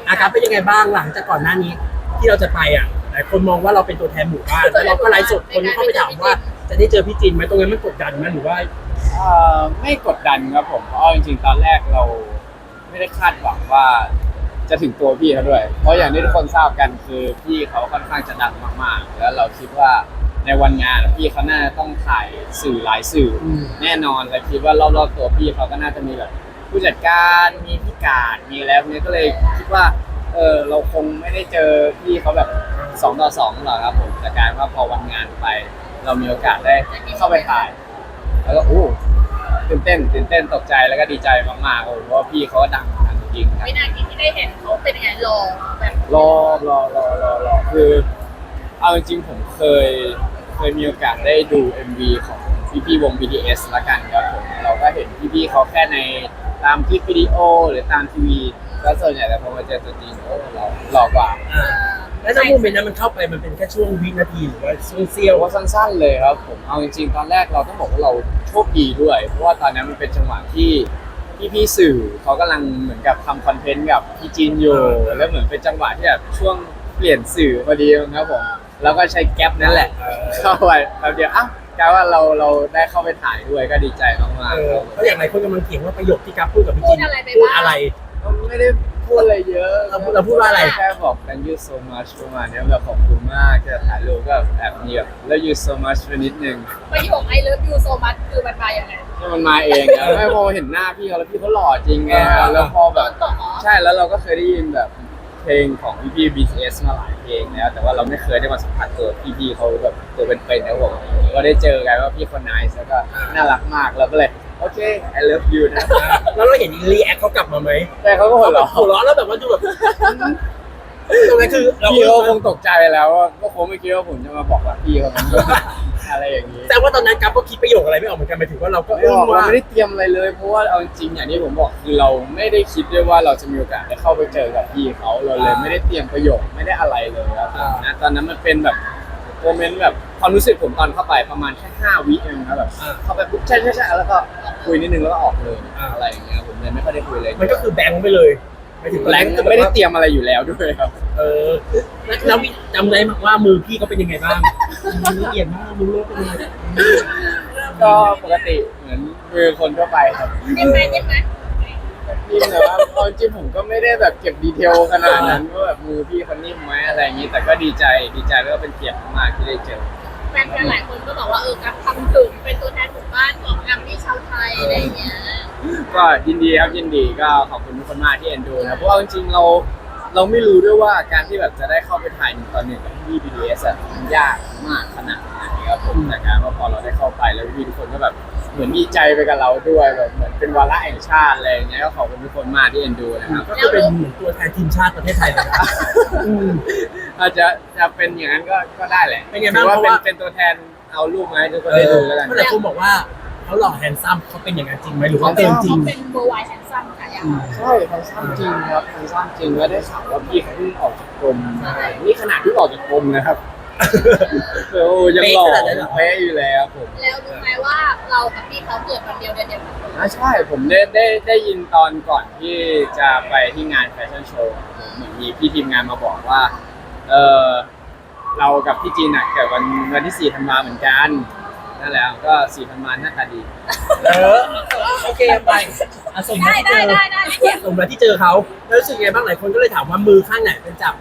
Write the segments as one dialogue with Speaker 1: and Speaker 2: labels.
Speaker 1: อาการเป็นยังไงบ้างหลังจากก่อนหน้านี้ที่เราจะไปหลายคนมองว่าเราเป็นตัวแทนหมู่บ้านแล้วเราก็ไลฟ์สดคนเข้าไปถามว่าจะได้เจอพี่จินไหมตรงนั้นมันกดดันไหมหรือว่า
Speaker 2: ไม่กดดันครับผมเพราะจริงๆตอนแรกเราไม่ได้คาดหวังว่าจะถึงตัวพี่เขาด้วยเพราะอย่างที่ทุกคนทราบกันคือพี่เขาค่อนข้างจะดังมากๆแล้วเราคิดว่าในวันงานพี่เขาน่าจะต้องถ่ายสื่อหลายสื่อแน่นอนและคิดว่ารอบๆตัวพี่เขาก็น่าจะมีแบบผู้จัดการมีพี่การมีแล้วเนี่ยก็เลยคิดว่าเราคงไม่ได้เจอพี่เขาแบบ2 ต่อ 2หรอกครับผมแต่การว่าพอวันงานไปเรามีโอกาสได้เข้าไปถ่ายแล้วก็ตื่นเต้นตกใจแล้วก็ดีใจมากๆเพราะว่าพี่เขาดังจริงครับ
Speaker 3: วินาทีที่ได้เห็นเขาเป็นยังไงรอแบบ
Speaker 2: รอคือเอาจริงๆผมเคยมีโอกาสได้ดู MV ของพี่วง BTS ละกันครับผมเราก็เห็นพี่เขาแค่ในตามคลิปวิดีโอหรือตามทีวีก็ส่วนใหญ่แต่พอมาเจอตัวจริงเราหล่อกว่า
Speaker 1: แล้วถ้าโมเมนต์นั้นมันเข้าไปมันเป็นแค่ช่วงวินาทีหรือว่าช่วงเสี้ยว
Speaker 2: ว่าสั้นๆเลยครับผมเอาจริงๆตอนแรกเราต้องบอกว่าเราโชคดีด้วยเพราะว่าตอนนั้นมันเป็นจังหวะที่พี่สื่อเขากำลังเหมือนกับทำคอนเทนต์กับพี่จีนอยู่แล้วเหมือนเป็นจังหวะที่แบบช่วงเปลี่ยนสื่อพอดีครับผมแล้วก็ใช้แก๊ปนั่นแหละเข้าไปแป๊บเดียวกลายว่าเราได้เข้าไปถ่ายด้วยก็ดีใจมากๆ
Speaker 1: เพราะอย่างไรคนกำลังเถียงว่าประโยคที่กัฟพูดกับพี่จินพูดอะไร
Speaker 2: ไม่ได้พูดอะไรเยอะ
Speaker 1: เราพูดว่าอะไร
Speaker 2: แค่บอก thank you so much ประมาณนี้แบบขอบคุณมากจะถ่ายรูปก็แอบมีแบบ love you so much ไปนิดนึง
Speaker 3: ประโยค I love you so much คือมันมาอย่างไง
Speaker 2: มันมาเองไม่พอเห็นหน้าพี่เขาแล้วพี่เขาหล่อจริงไงแล้วพอแบบใช่แล้วเราก็เคยได้ยินแบบเพลงของพี่ BTS มาหลายเพลงแล้วแต่ว่าเราไม่เคยได้มาสัมผัสตัวพี่เขาแบบตัวเป็นๆนะผมก็ได้เจอกันว่าพี่คนniceแล้วก็น่ารักมากแล้วก็เลยโอเค I love you นะ
Speaker 1: แล้วเราเห็นรีแอคเขากลับมาไหม
Speaker 2: แต่เขาก็หัวเรา
Speaker 1: ะแล้วแบบว่าดูแบบตรงนั้นคือ
Speaker 2: พี่เขาคงตกใจไปแล้วก็คงไม่คิดว่าผมจะมาบอกว่าพี่เขาอะไรอย่างนี้
Speaker 1: แต่ว่าตอนนั้นกัฟก็คิดประโยคอะไรไม่ออกเหมือนกันหมายถึงว่าเราก็
Speaker 2: เราไม่ได้เตรียมอะไรเลยเพราะว่าเอาจริงอย่างที่ผมบอกคือเราไม่ได้คิดด้วยว่าเราจะมีโอกาสได้เข้าไปเจอกับพี่เขาเราเลยไม่ได้เตรียมประโยคไม่ได้อะไรเลยครับนะตอนนั้นมันเป็นแบบโมเมนต์แบบความรู้สึกผมตอนเข้าไปประมาณแค่5 วิเองนะแบบเข้าไปปุ๊บใช่แล้วก็คุยนิดนึงแล้วก็ออกเลยอะไรอย่างเงี้ยผมเลยไม่ค่อยได้คุยเลย
Speaker 1: มันก็คือแบงค์ไปเลย
Speaker 2: ไม่ถึงแบงค์ไม่ได้เตรียมอะไรอยู่แล้วด้วยครับ
Speaker 1: แล้วจำได้ว่ามือพี่เขาเป็นยังไงบ้างมือละเอียดมากมือโลกเป็นยังไง
Speaker 2: ก็ปกติเหมือนมือคนทั่วไปครับ
Speaker 3: นิ่มไหม
Speaker 2: นี่แต่ว่าจริงผมก็ไม่ได้แบบเก็บดีเทลขนาดนั้นว่าแบบมือพี่เขานิ่มไหมอะไรอย่างนี้แต่ก็ดีใจแล้วก็เป็นเกียรติมากที่ได้เจอ
Speaker 3: แฟนหลายคนก็บอกว่ากัฟทำถึงเป็นตัวแทนหมู่บ้านของแอมมี่ชาวไทยอะไรอย่างเงี้ย
Speaker 2: ก็ยินดีครับยินดีก็ขอบคุณทุกคนมากที่เอ็นดูนะเพราะว่าจริงๆเราไม่รู้ด้วยว่าการที่แบบจะได้เข้าไปถ่าย1 ต่อ 1กับพี่ BTS มันยากมากขนาดไหนครับผมแต่การว่าพอเราได้เข้าไปแล้วพี่ทุกคนก็แบบเหมือนดีใจไปกับเราด้วยแบบเหมือนเป็นวาระแห่งชาติอะไรอย่างเงี้ยก็ขอบคุณทุกคนมากที่เอ็นดูนะครับ
Speaker 1: ก็เป็นเหมือนตัวแทนทีมชาติประเทศไทยเลยนะ
Speaker 2: อาจจะเป็นอย่างนั้นก็ได้แหละ
Speaker 1: เป็นไงบ้าง
Speaker 2: เพราะว่าเป็นตัวแทนเอารูปมาให้ทุกคนได้ดูแล้วกัน
Speaker 1: แต่คุณบอกว่าเขาหล่อแฮนซัมเขาเป็นอย่างนั้นจริงไหมหรือว่าเป็นจริง
Speaker 3: เขาเป็นเบอร์ไวแฮนซัมค่ะ
Speaker 2: ใช่แฮนซัมจริงครับแฮนซัมจริงแล้วได้ข่าวว่าพี่เขาเพิ่งออกจากกรมนี่ขนาดเพิ่งออกจากกรมนะครับยังหล่อเป๊ะอยู่แล้วผม
Speaker 3: แล้วรู้ไหมว่าเรากับพี่เขาเกิดวันเดียวเดือนเดียวกัน
Speaker 2: ใช่ผมได้ยินตอนก่อนที่จะไปที่งานแฟชั่นโชว์เหมือนมีพี่ทีมงานมาบอกว่าเรากับพี่จีนเกิดวันที่4 ธันวาเหมือนกันนั่นแหละก็4 ธันวาหน้าตาดี
Speaker 1: โอเคไปสมมติที่เจอสมมติที่เจอเขาแล้วรู้สึกไงบ้างหลายคนก็เลยถามว่ามือข้างไหนเป็นจับ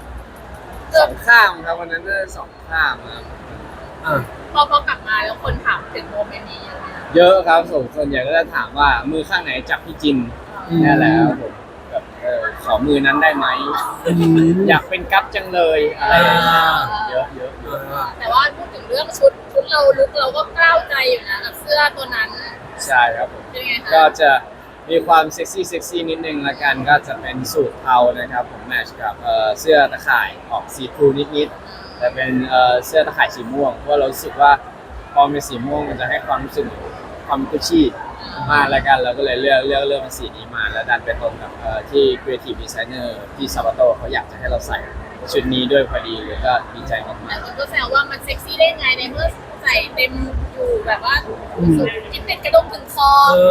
Speaker 2: 2 ข้างครับวันนั้นได้2 ข้างครับ
Speaker 3: พอกลับมาแล้วคนถามถึงโมเมนต์นี้
Speaker 2: เยอะครับส่วนใหญ่ก็จะถามว่ามือข้างไหนจับพี่จินนี่แหละครับผมแบบขอมือนั้นได้ไหมอยากเป็นกั๊บจังเลยอะไรเยอะ
Speaker 3: แต่ว่าพูดถึงเรื่องชุดเราลุกเราก็กล้าวใจอยู่นะกับเสื้อตัวนั้น
Speaker 2: ใช่ครับผมก็จะมีความเซ็กซี่นิดนึงละกันก็จะเป็นสูทเทานะครับผมแมทช์กับเสื้อตะข่ายออกสีทรูนิดแต่เป็นเสื้อตะข่ายสีม่วงเพราะเรารู้สึกว่าพอเป็นสีม่วงมันจะให้ความรู้สึกความกุชชี่มากละกันเราก็เลยเลือกเป็นสีนี้มาแล้วดันไปตรงกับที่ Creative Designer ที่ซาบาโตเขาอยากจะให้เราใส่ชุดนี้ด้วยพอดีเลยก็ดีใจมาก
Speaker 3: ๆแต่ก็แซวว่ามันเซ็กซี่ได้ไงในเมื่อใส่เต็มอยู่แบบว่าสุดที่เป็นกระดุมถึงคอ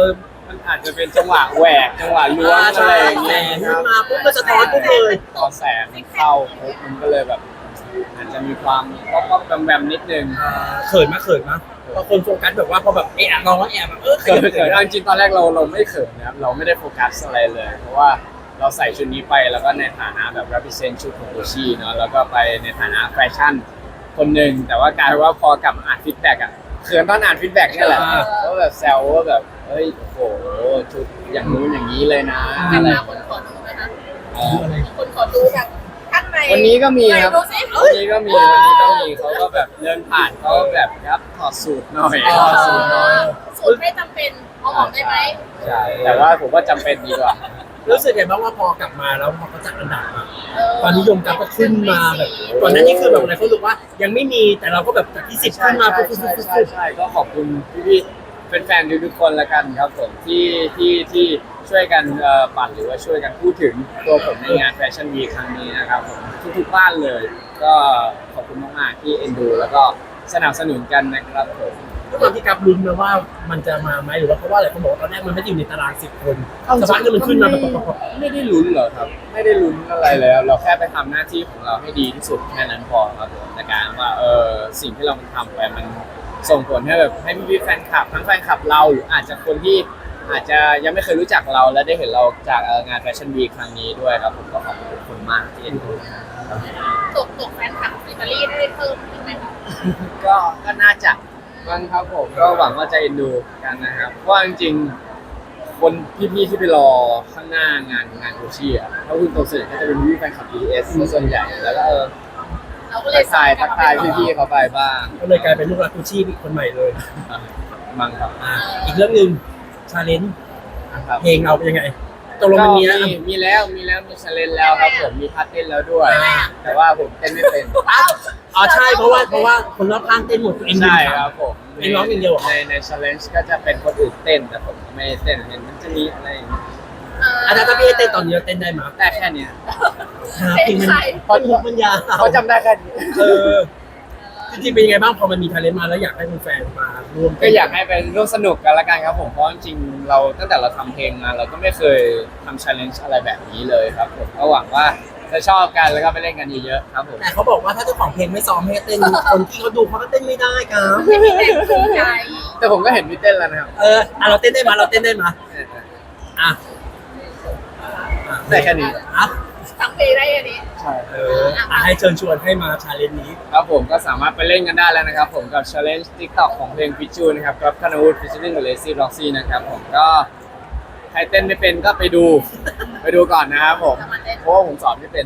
Speaker 2: มันอาจจะเป็นจังหวะแหวกจังหวะล้วงอะไรอย่าง
Speaker 1: แส
Speaker 2: เงี้ย
Speaker 1: ง
Speaker 2: ครับ
Speaker 1: มาปุ๊บก็สะท้อนปุ๊บเลย
Speaker 2: พอแสงมันเข้าปุ๊บมันก็เลยแบบ อาจจะมีความป๊อปๆแวมๆนิดนึง
Speaker 1: เขินมาพอคนโฟกัสแบบว่าพอแบบลองว่าแบบ
Speaker 2: เขินเอาจริงๆตอนแรกเราไม่เขินนะครับเราไม่ได้โฟกัสอะไรเลย เพราะว่าเราใส่ชุดนี้ไปแล้วก็ในฐานะแบบ represent ชุดของโอชิเนาะแล้วก็ไปในฐานะแฟชั่นคนหนึ่งแต่ว่ากลายเป็นว่าพอกลับมาอ่านฟีดแบ็กอะเขินตอนอ่านฟีดแบ็กนี่แหละก็แบบแซวว่าแบบเฮ้ยโอ้โหชุดอย่างนู้นอย่างนี้เลยนะ
Speaker 3: จะ
Speaker 2: อะไร
Speaker 3: มาคนขอดูไหมคะ
Speaker 2: อ๋อ
Speaker 3: คนขอดูจากข้างใน
Speaker 2: วันนี้ก็มีครับ
Speaker 3: ดูสิ
Speaker 2: วันนี้ก็มีเขาก็แบบเดินผ่านเขาแบบครับถอดสูตรหน่อยถอดสูตรหน่อย
Speaker 3: สูตรไม่จำเป็นเอาออกได้ไหม
Speaker 2: ใช่แต่ว่าผมว่าจำเป็นดีกว่า
Speaker 1: รู้สึกไงบ้างว่าพอกลับมาแล้วพอเขาจัดอันดับมาความนิยมกลับก็ขึ้นมาแบบก่อนหน้านี้คือแบบอะไรเขารู้ว่ายังไม่มีแต่เราก็แบบจากที่10ขึ้นมาปุ๊บ
Speaker 2: ใช่ก็ขอบคุณพี่ๆเป็นแฟนๆทุกๆคนละกันครับผมที่ช่วยกันปั่นหรือว่าช่วยกันพูดถึงตัวผมในงานแฟชั่นวีครั้งนี้นะครับผมทุกๆบ้านเลย ก็ขอบคุณมากๆที่เอ็นดูแล้วก็สนับสนุนกันนะครับผม
Speaker 1: ด้วยความที่กับลุ้นนะว่ามันจะมาไหมหรือว่าเพราะว่าอะไรเขาบอกว่าตอนแรกมันไม่ได้อยู่ในตาราง10 คนสักพักนึงมันขึ้นมาแบบ
Speaker 2: ไม่ได้ลุ้นเหรอครับ ไม่ได้ลุ้นอะไรเลยครับเราแค่ไปทำหน้าที่ของเราให้ดีที่สุดแค่นั้นพอครับผมในการว่าสิ่งที่เราทำไปมันส่งผลให้แบบให้พี่ๆแฟนคลับทั้งแฟนคลับเราหรืออาจจะคนที่อาจจะยังไม่เคยรู้จักเราและได้เห็นเราจากงานแฟชั่นวีคครั้งนี้ด้วยครับผมก็ขอบคุณมากที่เอ็นดูครับ
Speaker 3: ตกแฟนคลับอิตาลีได้เพิ่มขึ้นไหมคะ
Speaker 2: ก็น่าจะมันครับผมก็หวังว่าจะเอ็นดูกันนะครับเพราะว่าจริงๆคนพี่ๆที่ไปรอข้างหน้างานโอชิอ่ะถ้าคุณโตเสร็จก็จะเป็นพี่แฟนคลับ BTS ส่วนใหญ่แล้วก็
Speaker 3: เราก็เลย
Speaker 2: ทักทายพี่ๆเขาไปบ้าง
Speaker 1: ก็เลยกลายเป็นลูกรักกูชี่อีกคนใหม่เลย
Speaker 2: มั้งครับ
Speaker 1: อีกเรื่องหนึ่งชาเลนจ์
Speaker 2: นะครับ
Speaker 1: เพลงเราเป็นยังไงตกลงมันมีแล้ว
Speaker 2: มีแล้วมีชาเลนแล้วครับผมมีพาร์ทเต้นแล้วด้วย แต่ว่าผมเต้นไม่เป็น
Speaker 1: อ๋อใช่เพราะว่าคนรอบข้างเต้นหมดตัวเอง
Speaker 2: ใช่ครับผม
Speaker 1: เองร้องอย่างเดียวเหรอ
Speaker 2: ในชาเลนจ์ก็จะเป็นคนอื่นเต้นแต่ผมไม่เต้นเห็นมันจะมีอะไรอย่างเงี้ย
Speaker 1: อาจารย์ถ้าพี่ให้เต้นตอนนี้เราเต้นได้ไหม
Speaker 2: ได้แค่เนี้ย
Speaker 1: เพลงมันพอทุกมันยาว
Speaker 2: เขาจำได้แค่นี้
Speaker 1: จริงๆเป็นยังไงบ้างพอมันมีทาเลนต์มาแล้วอยากให้แฟนๆมาร่วม
Speaker 2: ก็อยากให้เป็นร่วมสนุกกันละกันครับผมเพราะจริงๆเราตั้งแต่เราทำเพลงมาเราก็ไม่เคยทำ challenge อะไรแบบนี้เลยครับผมก็หวังว่าจะชอบกันแล้วก็ไปเล่นกันเยอะๆครับผม
Speaker 1: แต่เขาบอกว่าถ้าเจ้าของเพลงไม่ซ้อมให้เต้นคนที่เขาดูเขาก็เต้นไม่ได้ครับ
Speaker 3: ไม่มีแรงจูงใจ
Speaker 2: แต่ผมก็เห็นพี่เต้นแล้วนะครับ
Speaker 1: เราเต้นได้ไหมเราเต้นได้ไหมอ่ะ
Speaker 2: ได้แค่นี้
Speaker 1: อ่ะ
Speaker 3: ทั้งปีได้อันนี้
Speaker 2: ใช่
Speaker 1: ให้เชิญชวนให้มาชาเลนจ์นี้
Speaker 2: ครับผมก็สามารถไปเล่นกันได้แล้วนะครับผมกับ challenge TikTok ของเพลงพิจูนะครับกับคานาวูดฟิชเชอร์ลิงกับเลซี่ล็อกซี่นะครับผมก็ใครเต้นไม่เป็นก็ไปดูก่อนนะครับผมเพราะว่าผมสอนไม่เป็น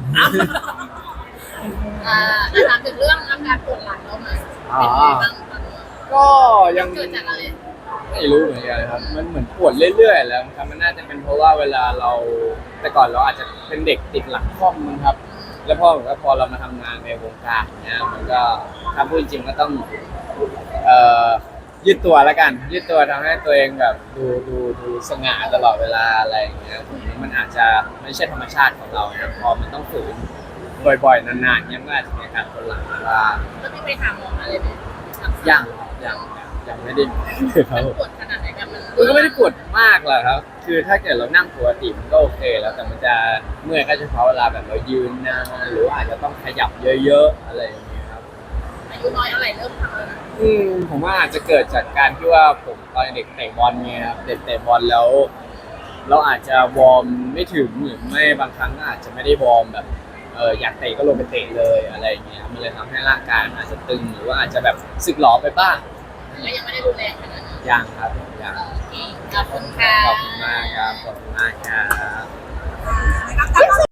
Speaker 3: ถามถึงเรื่องอาการปวดหลังเราหน่อยเป็นไงบ้างตอนนี้
Speaker 2: ก็ยัง
Speaker 3: เกิดจากอะไร
Speaker 2: ไม่รู้เหมือนกันครับมันเหมือนปวดเรื่อยๆแล้วครับมันน่าจะเป็นเพราะว่าเวลาเราแต่ก่อนเราอาจจะเป็นเด็กติดหลังคล่อมมั้งครับ แล้วพอเรามาทำงานในวงการเนี่ยมันก็ถ้าพูดจริงก็ต้องยืดตัวแล้วกันยืดตัวทำให้ตัวเองแบบดูสง่าตลอดเวลาอะไรอย่างเงี้ยผมว่ามันอาจจะไม่ใช่ธรรมชาติของเรานะพอมันต้องฝืนบ่อยๆนานๆเนี่ยมันก็อาจจะมีอาการปวดหลังบ้าง
Speaker 3: แล้วพี่ไปหาหมออะไรไหม
Speaker 2: ยังไม่ได้ครั
Speaker 3: มั
Speaker 2: บ
Speaker 3: น
Speaker 2: ผม
Speaker 3: ปวดขนาดไหนกันมัน
Speaker 2: มันก็ไม่ได้ปวดมากหรอกครับ คือถ้าเกิดเรานั่งปกติมันก็โอเคแล้วแต่มันจะเมื่อยก็เฉพาะเวลาแบบเรายืนนานหรือว่าอาจจะต้องขยับเยอะๆอะไรอย่างเงี้ยครับ
Speaker 3: อายุน้อยอะไรเริ่มทำแล้วนะ
Speaker 2: ผมว่าอาจจะเกิดจากการที่ว่าผมตอนเด็กเตะบอลไงครับเด็กเตะบอลแล้ว เราอาจจะวอร์มไม่ถึงหรือไม่บางครั้งก็อาจจะไม่ได้วอร์มแบบอยากเตะก็ลงไปเตะเลยอะไรอย่างเงี้ยมันเลยทำให้ร่างกายมันอาจจะตึงหรือว่าอาจจะแบบสึกหรอไปบ้าง
Speaker 3: ก็ยังไม่ได้ดูแลขนาดนั้น
Speaker 2: ยังครับยัง
Speaker 3: โอเคขอบคุณค่ะ
Speaker 2: ขอบคุณมากครับขอบคุณมากครับ
Speaker 3: ครับ